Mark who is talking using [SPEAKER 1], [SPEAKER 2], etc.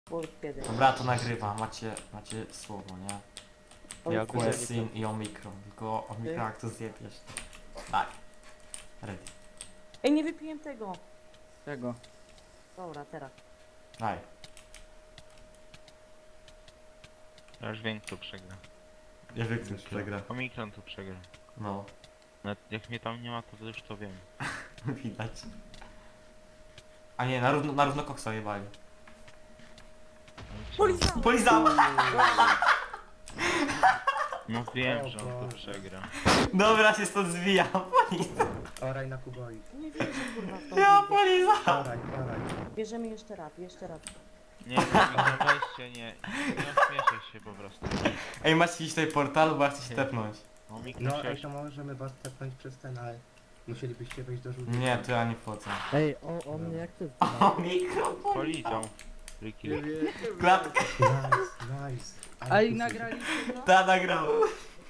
[SPEAKER 1] Kiedy?
[SPEAKER 2] Dobra, to nagrywa, macie słowo, nie?
[SPEAKER 3] Ja
[SPEAKER 2] Questin i Omikron, tylko Omikron jak to zjebiesz. Tak. Ready.
[SPEAKER 1] Ej, nie wypiłem tego.
[SPEAKER 3] Czego?
[SPEAKER 1] Dobra, teraz.
[SPEAKER 2] Daj.
[SPEAKER 4] Ja już wiem kto przegra.
[SPEAKER 2] Ja wiem, kto przegra.
[SPEAKER 4] Omikron tu przegra.
[SPEAKER 2] No,
[SPEAKER 4] Nawet jak mnie tam nie ma, to już to wiem.
[SPEAKER 2] widać. A nie, na równo koksa jebali.
[SPEAKER 1] Polizał!
[SPEAKER 2] Polizał!
[SPEAKER 4] No wiem, że on to przegra.
[SPEAKER 2] Dobra, się stąd zwijam.
[SPEAKER 5] Oraj na kuboi.
[SPEAKER 1] Nie wierzę, kurwa, w tą
[SPEAKER 2] Ja
[SPEAKER 1] gildię.
[SPEAKER 2] polizał!
[SPEAKER 5] Oraj.
[SPEAKER 1] Bierzemy jeszcze raz, jeszcze raz.
[SPEAKER 4] Nie, Omikron weźcie, nie ośmieszaj się po prostu.
[SPEAKER 2] Ej, macie iść tutaj portalu, bo ja chcę się tepnąć.
[SPEAKER 4] Omikron
[SPEAKER 5] No
[SPEAKER 4] się
[SPEAKER 5] ej, to możemy was tepnąć przez ten, ale musielibyście wejść do żółtego.
[SPEAKER 2] Nie, to ja nie wchodzę.
[SPEAKER 6] Ej, o mnie jak ty
[SPEAKER 2] Omikron
[SPEAKER 4] polizał. Friki.
[SPEAKER 2] Klatkę.
[SPEAKER 5] Nice.
[SPEAKER 3] Ej, nagraliście to?
[SPEAKER 2] Ta nagrałem.